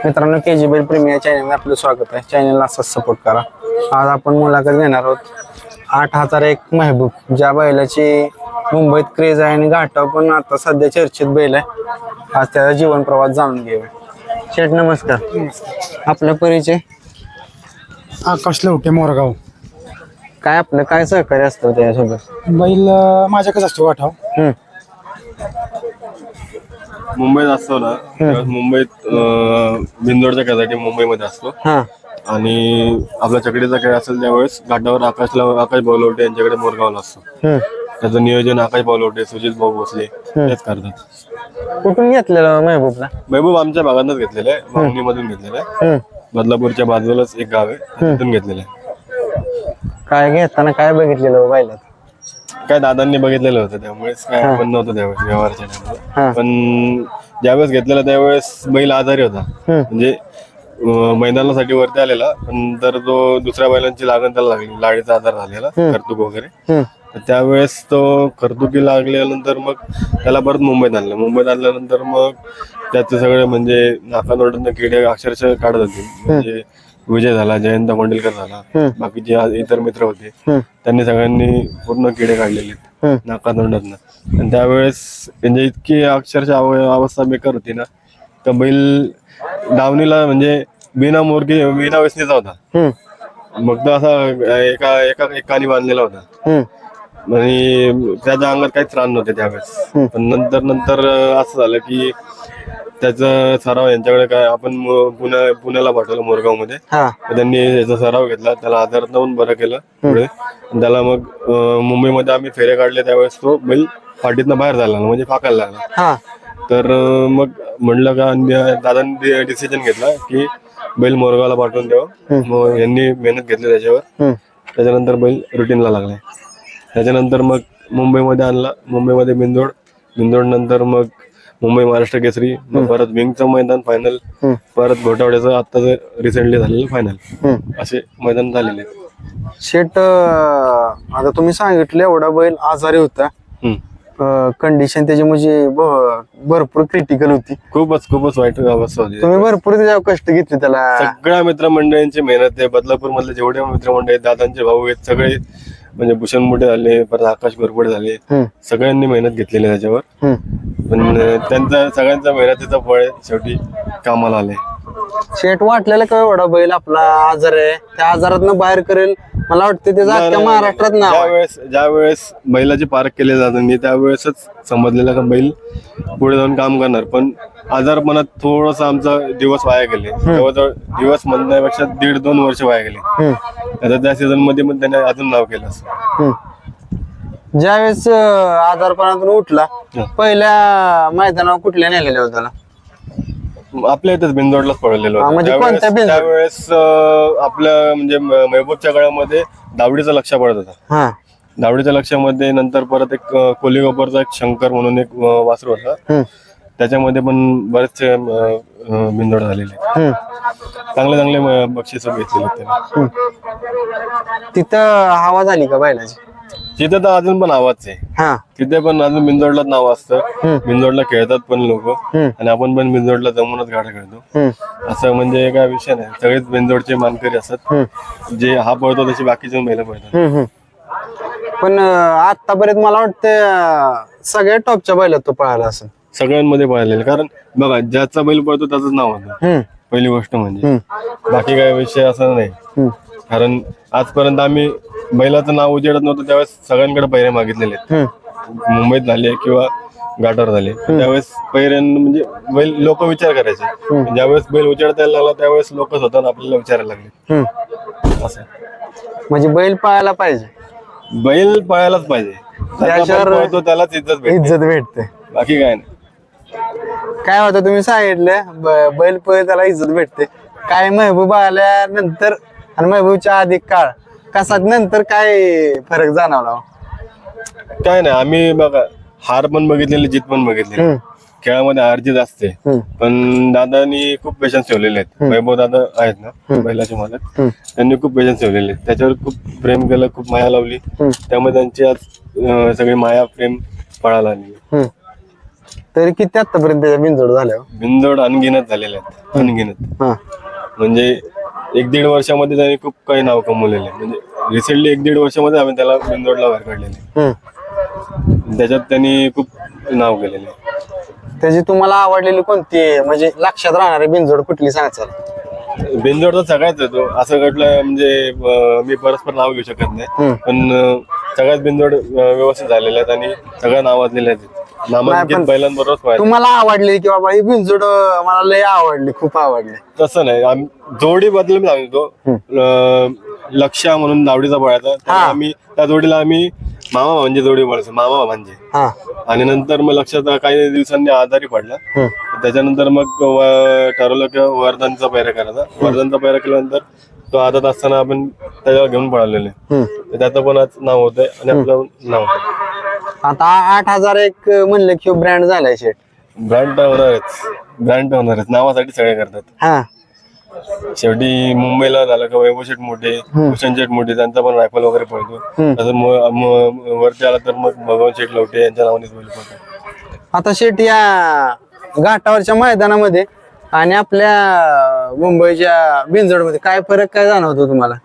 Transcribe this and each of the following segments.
मित्रांनो, KG बैल प्रेमी या चॅनलमध्ये आपलं स्वागत आहे. चॅनलला असाच सपोर्ट करा. आज आपण मुलाखत घेणार आहोत 8001 महबूब, ज्या बैलाची मुंबईत क्रेज आहे आणि घाटाव पण आता सध्या चर्चेत बैल आहे. आज त्याचा जीवन प्रवास जाणून घेऊया. शेठ नमस्कार. आपला परिचय? आकाश लवटे, मोरगाव. काय आपलं काय सहकार्य असतं त्यासोबत? बैल माझ्याकडेच असतो वाठाव. मुंबईत असतो ना, मुंबईत बिंदोडच्या खेळासाठी मुंबईमध्ये असतो. आणि आपला चकडीचा खेळ असेल त्यावेळेस घाटावर आकाश बावलवटे यांच्याकडे मोरगावला असतो. त्याचं नियोजन आकाश बावलवटे, सुजित भाऊ भोसले तेच करतात. कुठून घेतलेलं महबूबला? महबूब आमच्या भागातच घेतलेलं आहे, मागणी मधून घेतलेलं आहे. बदलापूरच्या बाजूलाच एक गाव आहे, तिथून घेतलेलं आहे. काय घेताना काय बघितलेलं बैलात? काय दादांनी बघितलेलं होतं, त्यामुळेच काय आपण नव्हतं त्यावेळेस व्यवहारच्या टाइमला. पण ज्यावेळेस घेतलेला त्यावेळेस बैल आजारी होता, म्हणजे मैदानासाठी वरती आलेला, पण तर तो दुसऱ्या बैलांची लागण त्याला लागली, लाडीचा आजार झालेला, कर्तुक वगैरे. तर त्यावेळेस तो कर्तुकी लागल्यानंतर मग त्याला परत मुंबईत आणलं. मुंबईत आणल्यानंतर मग त्याचे सगळे म्हणजे नाकातोंडातून किडे अक्षरशः काढत होते. म्हणजे विजय झाला, जयंत कोंडिलकर झाला, बाकीचे इतर मित्र होते, त्यांनी सगळ्यांनी पूर्ण किडे काढलेले नाकातोंडातनं. आणि त्यावेळेस म्हणजे इतकी अक्षरशः अवस्था बेकार होती ना, तर बैल दावणीला म्हणजे बिना व्यसनीचा होता. मग तो असा एका कानी बांधलेला होता आणि त्याच्या अंगात काहीच त्राण नव्हते त्यावेळेस. पण नंतर असं झालं की त्याचा सराव यांच्याकडे काय आपण पुण्याला पाठवलं मोरगाव मध्ये. त्यांनी याचा सराव घेतला, त्याला आजारात लावून बरं केलं पुढे. त्याला मग मुंबईमध्ये आम्ही फेरे काढले, त्यावेळेस तो बैल फाटीतनं बाहेर झाला, म्हणजे फाकायला लागला. तर मग म्हणलं का दादांनी डिसिजन घेतला की बैल मोरगावला पाठवून द्यावं. मग यांनी मेहनत घेतली त्याच्यावर. त्याच्यानंतर बैल रुटीनला लागलाय. त्याच्यानंतर मग मुंबईमध्ये आणला, मुंबईमध्ये बिंदोड नंतर मग मुंबई महाराष्ट्र केसरी, मग परत विंगचं मैदान फायनल, परत घोटावड्याचं आत्ताच रिसेंटली झालेलं फायनल, असे मैदान झालेले. शेट, आता तुम्ही सांगितलं एवढा बैल आजारी होता, कंडिशन त्याची म्हणजे भरपूर क्रिटिकल होती. खूपच वाईट अवस्था होती. तुम्ही भरपूर त्याच्यावर कष्ट घेतले त्याला? सगळ्या मित्रमंडळींची मेहनत आहे. बदलापूर मधले जेवढे मित्रमंडळ आहेत, दादांचे भाऊ आहेत, सगळे म्हणजे भूषण मोठे झाले, परत आकाश गोरपडे झाले, सगळ्यांनी मेहनत घेतलेली त्याच्यावर. पण त्यांचा सगळ्यांचा मेहनतीचा फळ शेवटी कामाला आले. शेट, वाटलेलं का एवढा बैल आपला आजार आहे, त्या आजारातनं बाहेर करेल? मला वाटतं त्याचा अख्ख्या महाराष्ट्रात नाव. ज्यावेळेस बैलाची पारख केली जात नाही त्यावेळेसच समजलेलं का बैल पुढे जाऊन काम करणार. पण आजारपणात थोडस आमचा दिवस वाया गेले, जवळजवळ दिवस म्हणण्यापेक्षा 1.5-2 वर्ष वाया गेले. आता त्या सीझन मध्ये पण त्याने अजून नाव केलं असं. ज्यावेळेस आजारपणातून उठला, पहिल्या मैदानावर कुठल्या नेलेल्या होत्या त्याला? आपल्या इथेच बिंदोडलाच पडलेलो म्हणजे कोणत्या बिंदोड? त्यावेळेस आपल्या म्हणजे महबूबच्या गळ्यामध्ये दावडीचा लक्ष पडत होता. दावडीच्या लक्षामध्ये नंतर परत एक कोलीगोपरचा एक शंकर म्हणून एक वासरू होता, त्याच्यामध्ये पण बरेचसे बिंदोड झालेले, चांगले बक्षीस घेतलेले त्याने. तिथं हवा झाली का बैलाची? तिथे तर अजून पण आवाज आहे. तिथे पण अजून बिंदोडलाच नाव असतं. बिंदोडला खेळतात पण लोक, आणि आपण पण बिंदोडला जमूनच गाड्या खेळतो. असं म्हणजे काय विषय नाही, सगळेच बिंदोडचे मानकरी असतात. जे हा पळतो तशी बाकीचे महिला पळतात. पण आतापर्यंत मला वाटतं सगळ्या टॉपच्या बैलात तो पळाला असं. सगळ्यांमध्ये पळालेले, कारण बघा ज्याचा बैल पळतो त्याचंच नाव होतं पहिली गोष्ट म्हणजे. बाकी काय विषय असा नाही, कारण आजपर्यंत आम्ही बैलाचं नाव उजेडत नव्हतं त्यावेळेस सगळ्यांकडे पैरे मागितलेले आहेत. मुंबईत झाले किंवा घाटावर झाले, त्यावेळेस पैऱ्यांना म्हणजे बैल लोक विचार करायचे. ज्यावेळेस बैल उजेडता लागला त्यावेळेस लोक स्वतः आपल्याला विचारायला लागले. असं म्हणजे बैल पळायला पाहिजे, बैल पळायलाच पाहिजे, त्यालाच इज्जत भेटते, बाकी काय नाही. काय होतं तुम्ही सांगितलं बैल पळ त्याला इज्जत भेटते. काय महबूब आल्यानंतर आणि महबूबच्या आधी काळ कसा नंतर काय फरक जाणवला? काय नाही, आम्ही बघा हार पण बघितलेली, जीत पण बघितलेली. खेळामध्ये हार जीत असते, पण दादानी खूप पेशन्स ठेवलेले आहेत. वैभव दादा आहेत ना बैलाचे मालक, त्यांनी खूप पेशन्स ठेवलेले आहेत. त्याच्यावर खूप प्रेम केलं, खूप माया लावली, त्यामुळे त्यांची आज सगळी माया प्रेम फळाला आली. तरी किती आतापर्यंत त्याच्या बिनजोड झाल्या हो? बिनजोड अनगिनत झालेले आहेत, अनगिनत. हा म्हणजे 1-1.5 वर्षामध्ये त्याने खूप काही नाव कमवलेले आहे. म्हणजे रिसेंटली 1-1.5 वर्षामध्ये आम्ही त्याला बिनजोडला बाहेर काढलेले. त्याच्यात त्यांनी खूप नाव केलेले आहे. त्याची तुम्हाला आवडलेली कोणती म्हणजे लक्षात राहणारी बिनजोड कुठली सांगाल? बिनजोड तर सगळ्याच येतो असं घडलं म्हणजे मी परस्पर नाव घेऊ शकत नाही, पण सगळ्याच बिनजोड व्यवस्थित झालेल्या आहेत आणि सगळ्या नावाजलेल्या आहेत. नामांकित बैलांबरोबरच पाहिजे. तुम्हाला आवडली की बाबा ही बिनजोड मला लय आवडली, खूप आवडली? तसं नाही, जोडी बद्दल मी सांगतो. लक्ष्या म्हणून नावडीचा पळायचा, तर आम्ही त्या जोडीला आम्ही मामा म्हणजे जोडी बोलायचो, मामा म्हणजे. आणि नंतर मग लक्षात काही दिवसांनी आजारी पडला. त्याच्यानंतर मग ठरवलं की वर्धनचा पैरा करायचा. वर्धनचा पैरा केल्यानंतर तो आदत असताना आपण त्याच्यावर घेऊन पळालेले, त्याचं पण आज नाव होतंय आणि आपलं नाव होतं. आता 8001 म्हणलं की ब्रँड झालाय शेट. ब्रँड तर होणारच, नावासाठी सगळे करतात. हा शेवटी मुंबईला झालं का वैभव शेठ मोठे, भूषण शेठ मोठे, त्यांचा पण रायफल वगैरे पळतो. तसं वरती आला तर मग भगवान शेठ लवटे यांच्या नावानेच बैल पळतो. आता शेट या घाटावरच्या मैदानामध्ये आणि आपल्या मुंबईच्या बिनजोडमध्ये काय फरक काय जाणवतो तुम्हाला?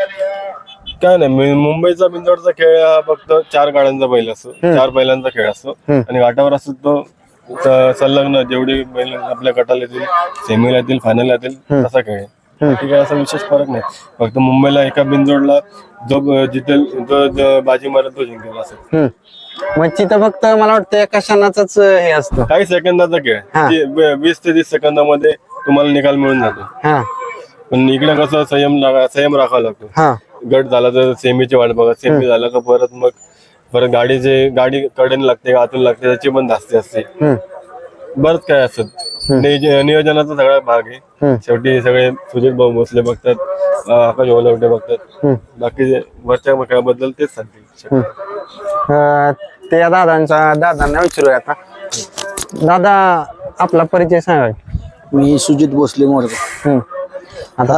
काय नाही, मुंबईचा बिनजोडचा खेळ हा फक्त 4 गाड्यांचा बैल असतो, 4 बैलांचा खेळ असतो. आणि घाटावर असतो तो संलग्न जेवढी बैल आपल्या गटाला येतील, सेमीला येतील, फायनल येतील तसा खेळ आहे. ठीक आहे, असा विशेष फरक नाही. फक्त मुंबईला एका बिनजोडला जो जिथेल जो बाजी मारत तो जिंकेल असं. मग तिथं फक्त मला वाटतं एका क्षणाचाच हे असतं, काही सेकंदाचा खेळ, 20 ते 30 सेकंदामध्ये तुम्हाला निकाल मिळून जातो. पण इकडे कसं संयम राखावा लागतो. गट झाला तर सेमीची वाट बघा, सेमी झाला का परत गाडी कडेने लागते, आतून लागते, त्याची पण धास्ती असते, बरंच काय असत. नियोजनाचा सगळा भाग आहे. शेवटी सगळे सुजित भाऊ भोसले बघतात, आकाश ओलवटे बघतात, बाकी वरच्या खेळाबद्दल तेच सांगतील. त्या दादांना विचारूया आता. दादा आपला परिचय सांगा. मी सुजित भोसले मोरगाव. आता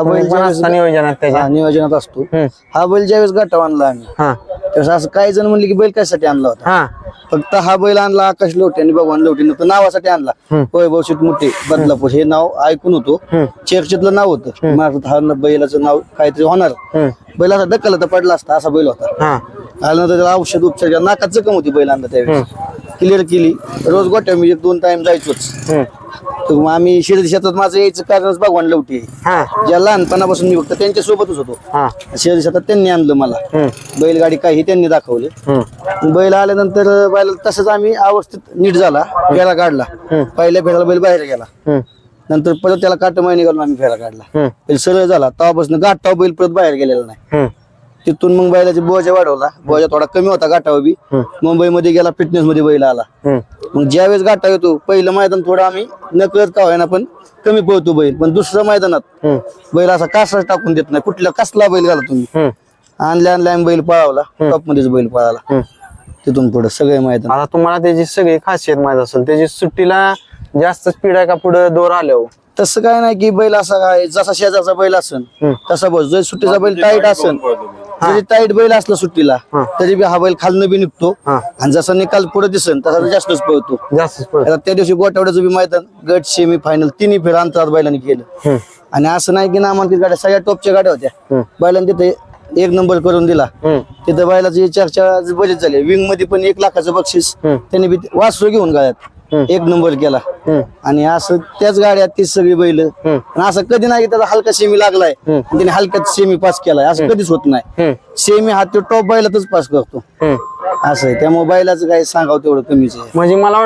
नियोजनात असतो. हा बैल ज्यावेळेस गाठा आणला आम्ही, त्यावेळेस असं काही जण म्हणले की बैल कशासाठी आणला होता. फक्त हा बैल आणला आकाश लोटे आणि भगवान लोटे नव्हतं, नावासाठी आणला. वैभव शेठ मोठे बदलापूर हे नाव ऐकून होतो, चर्चेतलं नाव होतं. हा बैलाचं नाव काहीतरी होणार, बैल असा ढकलला तर पडला असता असा बैल होता. आल्यानंतर त्याला औषध उपचार, नाकात जखम होती बैल आणला त्यावेळेस, क्लिअर केली. रोज गोट्या मी 1-2 टाइम जायचोच. तर मग आम्ही शिर्डी शेतात माझं यायचं कारणच भगवान लवटी आहे. ज्या लहानपणापासून मी फक्त त्यांच्या सोबतच होतो. शिर्डी शेतात त्यांनी आणलं मला, बैलगाडी काही त्यांनी दाखवलं. बैल आल्यानंतर बैल तसंच आम्ही अवस्थेत नीट झाला, फेरा काढला. पहिल्या फेराला बैल बाहेर गेला, नंतर परत त्याला काट महिने घालून आम्ही फेरा काढला. बैल सरळ झाला, तेव्हापासून गाठाव बैल परत बाहेर गेलेला नाही. तिथून मग बैलाची बोजा वाढवला, बोजा थोडा कमी होता गाठावर बी. मुंबईमध्ये गेला, फिटनेस मध्ये बैल आला. मग ज्यावेळेस गाठा येतो, पहिलं मैदान थोडं आम्ही नकळत का होईना पण कमी पळतो बैल, पण दुसऱ्या मैदानात बैल असा कासाच टाकून देत नाही. कुठला कसला बैल घाला तुम्ही, आणल्या बैल पळावला, टॉप मध्येच बैल पळाला. तिथून पुढे सगळे मैदान. आता तुम्हाला त्याची सगळी खासियत माहित असेल, त्याची सुट्टीला जास्त स्पीड आहे का पुढे दोर आल्यावर? तसं काय नाही की बैल असा काय जसा शेजारचा बैल असन तसा बस, जर सुट्टीचा बैल टाईट असन, जरी टाईट बैल असला सुट्टीला तरी बी हा बैल खालनं बी निघतो. आणि जसा निकाल पुढे दिसन तसा जास्तच पळतो. आता त्या दिवशी गोटावड्याचं बी मैदान, गट सेमी फायनल तिन्ही फेर अंतरात बैलांनी केलं. आणि असं नाही की नामांकित गाड्या, सगळ्या टॉपच्या गाड्या होत्या. बैलांनी तिथे 1 नंबर करून दिला. तिथं बैलाची चर्चा बजेट झाली. विंग मध्ये पण 1 लाखाचं बक्षीस त्यांनी बी वासरू घेऊन गाड्यात 1 नंबर केला. आणि असं त्याच गाड्यात ती सगळी बैल. असं कधी नाही की त्याचा हलका सेमी लागलाय त्याने हलक्यात सेमी पास केलाय, असं कधीच होत नाही. सेमी हा तो टॉप बैलातच पास करतो, असं आहे. त्यामुळे बैलाचं काही सांगावं तेवढं कमीच आहे. म्हणजे मला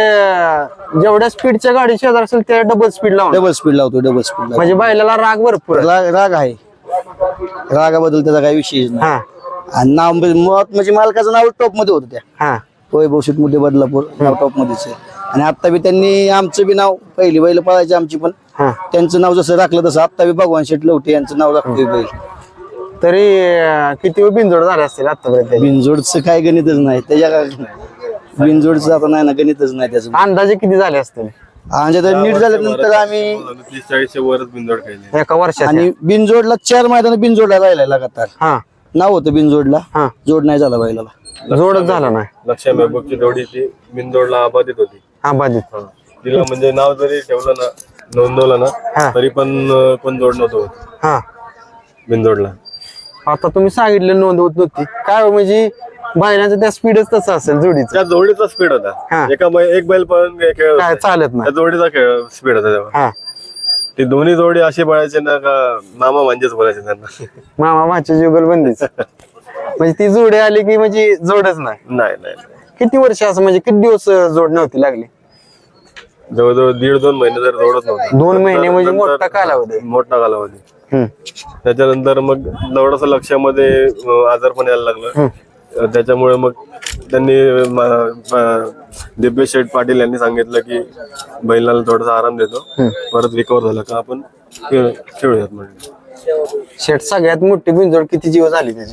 वाटतं जेवढ्या स्पीडच्या गाडी शेजार असेल त्या डबल स्पीड लावतो. डबल स्पीड लावतो. म्हणजे बैलाला राग भरपूर राग आहे, रागाबद्दल त्याचा काही विषय नाही. आणि नाव म्हणजे मालकाचं नाव टॉप मध्ये होतं त्या वैभव शेठ मोठे बदलापूर, नाव टॉप मध्येच आहे. आणि आता बी त्यांनी आमचं बी नाव, पहिली बैल पळायची आमची पण, त्यांचं नाव जसं राखलं तसं आता बी भगवान शेठ लवटे यांचं नाव राखतोय बैल. तरी किती बिनजोड झाले असतील आतापर्यंत? बिनजोडचं काय गणितच नाही त्याच्या, बिनजोडचं आता नाही ना, गणितच नाही त्याचं. अंदाजे किती झाले असतील? म्हणजे नीट झाल्यानंतर आम्ही 30-40 वरच बिनजोड खेळले एका वर्षात. आणि बिनजोडला 4 मैदान बिनजोडला राहिलाय लगातार. नाव होतं बिनजोडला, जोड नाही झाला बैलाला, जोडच झाला नाही. लक्ष्या महबूबची जोडी ती बिनजोडला आबादित होती. बाधित. हा. तिला म्हणजे नाव जरी ठेवलं ना, नोंदवलं ना, तरी पण कोण जोड नव्हतं होत हा बिनजोडला. आता तुम्ही सांगितलं नोंद होत नव्हती काय हो, म्हणजे बैलांचं त्या स्पीडच तसं असेल जोडीचं, त्या जोडीचा स्पीड होता. एक बैल पण खेळ काय चालत नाही. त्या जोडीचा खेळ स्पीड होता तेव्हा. हा ती दोन्ही जोडी अशी पळायचे ना का मामा म्हणजेच बोलायचे त्यांना. मामा भाची जुगलबंदीच. म्हणजे ती जोडी आली की म्हणजे जोडच नाही. नाही नाही नाही. किती वर्ष असं म्हणजे किती दिवस जोड नव्हती लागली? जवळजवळ 1.5-2 महिने जर जोडत नव्हतं. 2 महिने म्हणजे मोठा कालावधी. मोठा कालावधी. त्याच्यानंतर मग थोडस लक्षामध्ये आजारपण यायला लागलं. त्याच्यामुळे मग त्यांनी दिव्य शेठ पाटील यांनी सांगितलं की बैलाला थोडासा आराम देतो, परत रिकवर झालं का आपण खेळूयात म्हणजे. शेट सगळ्यात मोठी बिनजोड किती दिवस झाली त्याची?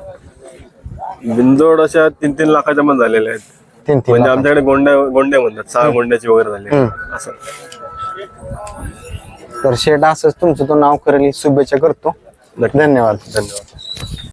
बिनजोड अशा 3-3 लाखाच्या पण झालेल्या आहेत. 3-3 म्हणजे आमच्याकडे गोंड्या म्हणतात, 6 गोंड्याची वगैरे झाली असं. तर शेट असंच तुमचं तो नाव करेल शुभेच्छा करतो. धन्यवाद. धन्यवाद.